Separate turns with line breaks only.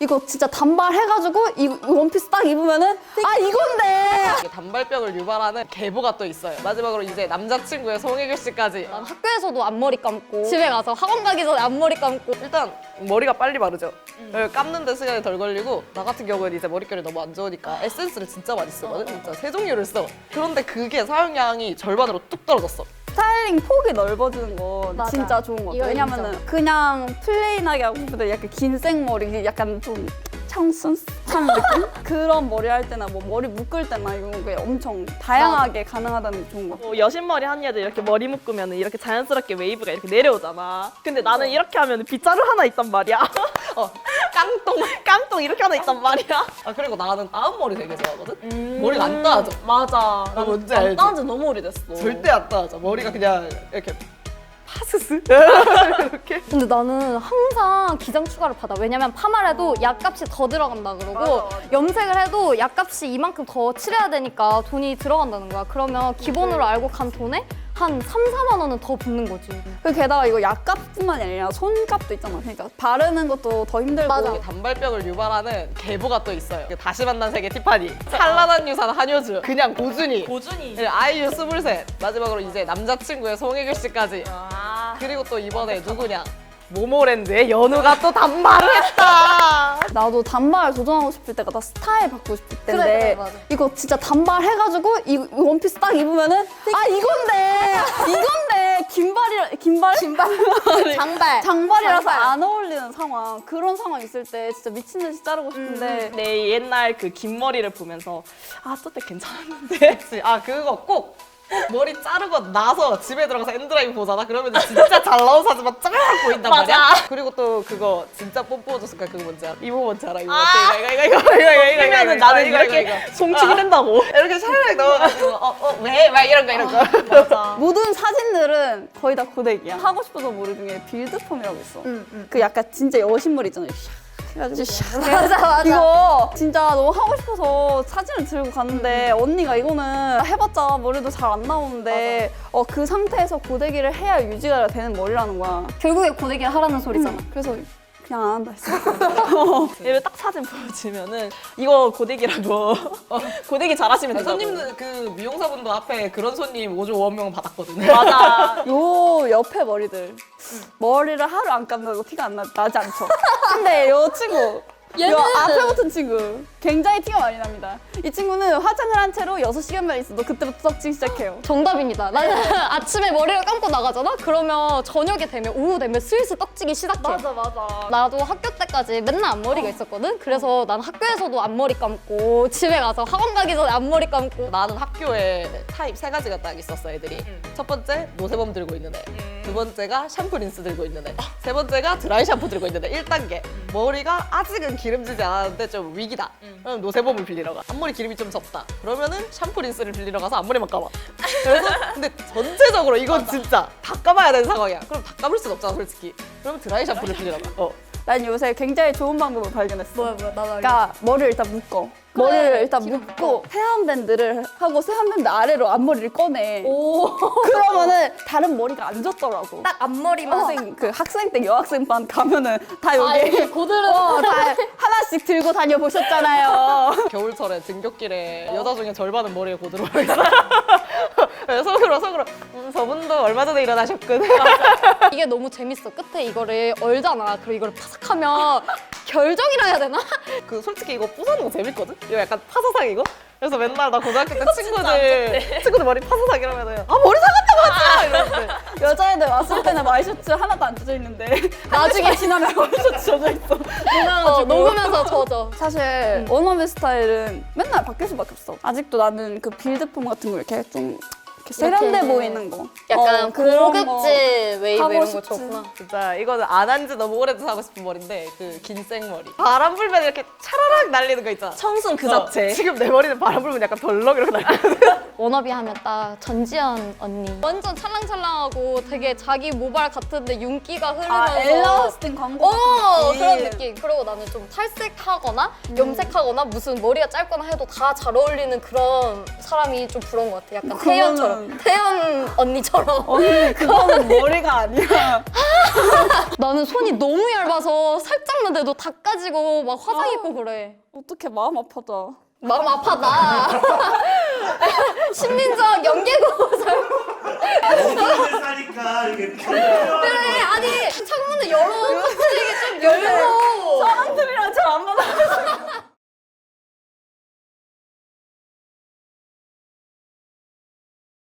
이거 진짜 단발 해가지고 이 원피스 딱 입으면은 아 이건데.
단발병을 유발하는 계보가 또 있어요. 마지막으로 이제 남자친구의 송혜교 씨까지.
난 학교에서도 앞머리 감고 집에 가서 학원 가기 전에 앞머리 감고
일단 머리가 빨리 마르죠. 감는데 시간이 덜 걸리고 나 같은 경우는 이제 머릿결이 너무 안 좋으니까 에센스를 진짜 많이 쓰거든. 진짜 세 종류를 써. 그런데 그게 사용량이 절반으로 뚝 떨어졌어.
스타일링 폭이 넓어지는 거
맞아.
진짜 좋은 것 같아.
이거
왜냐면은
인정.
그냥 플레인하게 하고 싶은데 약간 긴 생머리, 약간 좀 청순한 느낌? 그런 머리 할 때나 뭐 머리 묶을 때나 이런 게 엄청 다양하게 가능하다는 게 좋은 것 같아.
뭐 여신머리 한 애들 이렇게 머리 묶으면 이렇게 자연스럽게 웨이브가 이렇게 내려오잖아. 근데 나는 이렇게 하면 빗자루 하나 있단 말이야. 깡통 이렇게 하나 있단 말이야.
아 그리고 나는 따은 머리 되게 좋아하거든. 머리가 안 따져.
맞아.
나 뭔지
안
알지?
따은 지 너무 오래됐어.
절대 안 따져. 머리가 그냥 이렇게 파스스 이렇게.
근데 나는 항상 기장 추가를 받아. 왜냐면 파마를 해도 약값이 더 들어간다 그러고
맞아.
염색을 해도 약값이 이만큼 더 칠해야 되니까 돈이 들어간다는 거야. 그러면 기본으로 알고 간 돈에 한 3, 4만 원은 더 붙는 거지.
그 게다가 이거 약값뿐만이 아니라 손값도 있잖아. 그러니까 바르는 것도 더 힘들고.
맞아.
단발병을 유발하는 계보가 또 있어요. 다시 만난 세계 티파니, 찬란한 유산 한효주, 그냥 고준이,
고준이.
아이유 23, 마지막으로 이제 남자친구의 송혜교 씨까지.
아.
그리고 또 이번에 누구냐? 모모랜드의 연우가 또 단발을 했다.
나도 단발 도전하고 싶을 때가 나 스타일 바꾸고 싶을 때인데
그래, 맞아.
이거 진짜 단발 해가지고 이 원피스 딱 입으면은 아 이건데 긴발 장발이라서
장발.
안 어울리는 상황, 그런 상황 있을 때 진짜 미친 듯이 자르고 싶은데
내 옛날 그 긴 머리를 보면서 아, 저때 괜찮았는데.
아 그거 꼭 머리 자르고 나서 집에 들어가서 엔드라이브 보잖아. 그러면 진짜 잘 나온 사진만 쫙 보인단
맞아.
말이야. 그리고 또 그거 진짜 뽀뽀해줬을까 그거 뭔지 알아? 이거 뭔지 알아? 이거
아.
이거
그러면은 나는 이렇게 송치기 된다고.
이렇게 샤르륵 넣어가지고 왜? 막 이런 거
맞아.
모든 사진들은 거의 다 고데기야. 하고 싶어서 머리 중에 빌드펌이라고 있어. 그 약간 진짜 여신머리 있잖아. 해가지고
맞아.
이거 진짜 너무 하고 싶어서 사진을 들고 갔는데 언니가 이거는 해봤자 머리도 잘 안 나오는데 그 상태에서 고데기를 해야 유지가 되는 머리라는 거야.
결국에 고데기를 하라는 소리잖아.
그래서 그냥 안 한다 했어.
얘를 딱 사진 보여주면은 이거 고데기라고. 고데기 잘하시면 된다고.
손님들 그 미용사분도 앞에 그런 손님 5조 5원 명 받았거든.
맞아.
요 옆에 머리들 머리를 하루 안 감다고 티가 나지 않죠. 근데 요 친구 요 앞에 붙은 친구 굉장히 티가 많이 납니다. 이 친구는 화장을 한 채로 6시간만 있어도 그때부터 떡지기 시작해요.
정답입니다. 나는 아침에 머리를 감고 나가잖아? 그러면 저녁에 되면 오후 되면 슬슬 떡지기 시작해.
맞아.
나도 학교 때까지 맨날 앞머리가 있었거든? 그래서 난 학교에서도 앞머리 감고 집에 가서 학원 가기 전에 앞머리 감고
나는 학교에 타입 3가지가 딱 있었어 애들이. 첫 번째 노세범 들고 있는 애, 두 번째가 샴푸 린스 들고 있는 애, 세 번째가 드라이 샴푸 들고 있는 애. 1단계 머리가 아직은 기름지지 않았는데 좀 위기다. 그럼 노세범을 빌리러 가. 앞머리 기름이 좀 적다. 그러면은 샴푸 린스를 빌리러 가서 앞머리만 감아. 그래서 근데 전체적으로 이건 진짜 다 감아야 되는 상황이야. 그럼 다 감을 순 없잖아 솔직히. 그러면 드라이 샴푸를 빌리러 가.
난 요새 굉장히 좋은 방법을 발견했어.
뭐야 나도 알려.
그러니까 머리를 일단 묶어. 머리를 일단 묶고 헤어밴드를 하고 헤어밴드 아래로 앞머리를 꺼내.
오.
그러면은 다른 머리가 안 졌더라고.
딱 앞머리만
학생 때 여학생 반 가면은 다 여기
여기 고드름
다 하나씩 들고 다녀 보셨잖아요.
겨울철에 등굣길에 여자 중에 절반은 머리에 고드름이 있어. 속으로 저분도 얼마 전에 일어나셨거든.
이게 너무 재밌어. 끝에 이거를 얼잖아. 그리고 이걸 파삭하면 결정이라 해야 되나?
그 솔직히 이거 부사는 거 재밌거든? 이거 약간 파사삭이고? 그래서 맨날 나 고등학교 때 친구들 머리 파사삭 이러면은 아 머리 사갔다고 하지! 이러는데
여자애들 왔을 때는 와이셔츠 하나도 안 젖어 있는데 나중에 지나면 와이셔츠 젖어 있어.
녹으면서 젖어.
사실 원어민 스타일은 맨날 바뀔 수밖에 없어. 아직도 나는 그 빌드폼 같은 거 이렇게 좀 이렇게 세련돼
이렇게
보이는 거.
약간
그런 거
고급진 웨이브
하고
이런 거
싶지.
좋구나.
진짜 이거는 안 한 지 너무 오래돼서 하고 싶은 머리인데 그 긴 생머리 바람 불면 이렇게 차라락 날리는 거 있잖아.
청순 그 자체.
지금 내 머리는 바람 불면 약간 덜렁 이렇게 날리거든.
워너비 하면 딱 전지현 언니. 완전 찰랑찰랑하고 되게 자기 모발 같은데 윤기가 흐르면서
엘라스틴 광고 같은
그런
느낌.
느낌. 그리고 나는 좀 탈색하거나 염색하거나 무슨 머리가 짧거나 해도 다 잘 어울리는 그런 사람이 좀 부러운 것 같아. 약간
그거는-
태연처럼. 태연 언니처럼.
언니 그거는 머리가 아니야.
나는 손이 너무 얇아서 살짝만 돼도 다 까지고 막 화상 입고 그래.
어떻게 마음 아파다.
마음 아파다. 심리적 연계고.
어디를 사니까 이게